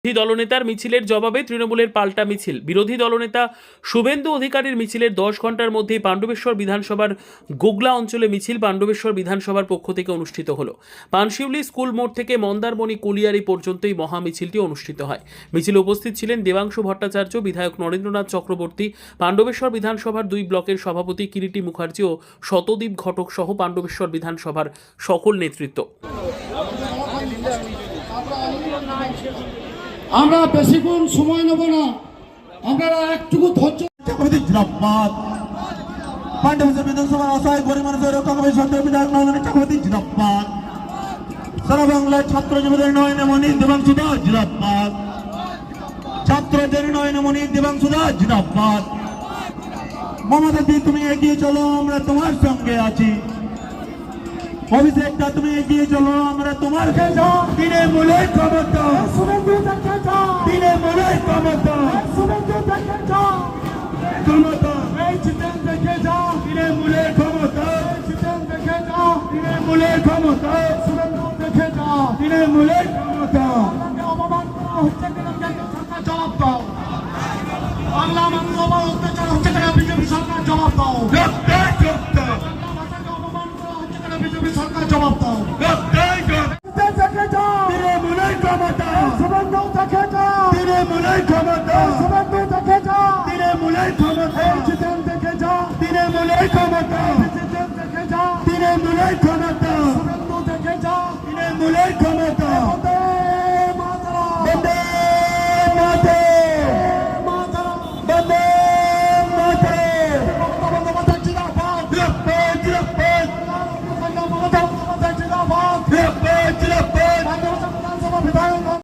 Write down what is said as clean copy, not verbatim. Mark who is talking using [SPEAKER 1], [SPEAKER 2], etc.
[SPEAKER 1] বিরোধী দলনেতার মিছিলের জবাবে তৃণমূলের পাল্টা মিছিল। বিরোধী দলনেতা শুভেন্দু অধিকারীর মিছিলের 10 ঘন্টার মধ্যেই পাণ্ডবেশ্বর বিধানসভার গোগলা অঞ্চলে মিছিল পাণ্ডবেশ্বর বিধানসভার পক্ষ থেকে অনুষ্ঠিত হলো। পানশিউলি স্কুল মোড় থেকে মন্দারমণি কুলিয়ারি পর্যন্তই মহা মিছিলটি অনুষ্ঠিত হয়। মিছিলে উপস্থিত ছিলেন দেবাংশু ভট্টাচার্য, বিধায়ক নরেন্দ্রনাথ চক্রবর্তী, পাণ্ডবেশ্বর বিধানসভার 2 ব্লকের সভাপতি কিরিটি মুখার্জি ও শতদীপ ঘটক সহ পাণ্ডবেশ্বর বিধানসভার সকল নেতৃত্ব।
[SPEAKER 2] আমরা বেশিক্ষণ সময় নেব না, আপনারা একটুকু ধৈর্য।
[SPEAKER 3] জিন্দাবাদ। পাণ্ডবেশ্বর বিধানসভার অসহায় গরিব মানুষের রক্ষা কমিটির সদস্য বিধায়ক নরেন্দ্রনাথ চক্রবর্তী জিন্দাবাদ। সারা বাংলায় ছাত্র যুবদের নয়নে মণি দেবাংশু দাস জিন্দাবাদ। ছাত্রদের নয়নে মণি দেবাংশু দাস জিন্দাবাদ। মমতা দি তুমি এগিয়ে চলো, আমরা তোমার সঙ্গে আছি। অভিষেকটা তুমি এগিয়ে চলো, আমরা তোমার তৃণমূলে ক্ষমতা, তৃণমূলে ক্ষমতা, ক্ষমতা, তৃণমূলে ক্ষমতা, তৃণমূলে ক্ষমতা, তৃণমূলে ক্ষমতা।
[SPEAKER 2] জবাব দাও, বাংলা মানুষ অত্যাচার হচ্ছে কেন? বিজেপি সরকার জবাব দাও। বিজেপি সরকার জবাব দাও।
[SPEAKER 3] তৃণমূলে ক্ষমতা,
[SPEAKER 2] শুভেন্দু দেখে যাও,
[SPEAKER 3] তৃণমূলে ক্ষমতা,
[SPEAKER 2] শুভেন্দু দেখে যাও,
[SPEAKER 3] তৃণমূলে ক্ষমতা,
[SPEAKER 2] জিতেন দেখে যাও,
[SPEAKER 3] তৃণমূলে ক্ষমতা,
[SPEAKER 2] জিতেন দেখে যাও,
[SPEAKER 3] তৃণমূলে ক্ষমতা,
[SPEAKER 2] শুভেন্দু দেখে যাও,
[SPEAKER 3] তৃণমূলে ক্ষমতা।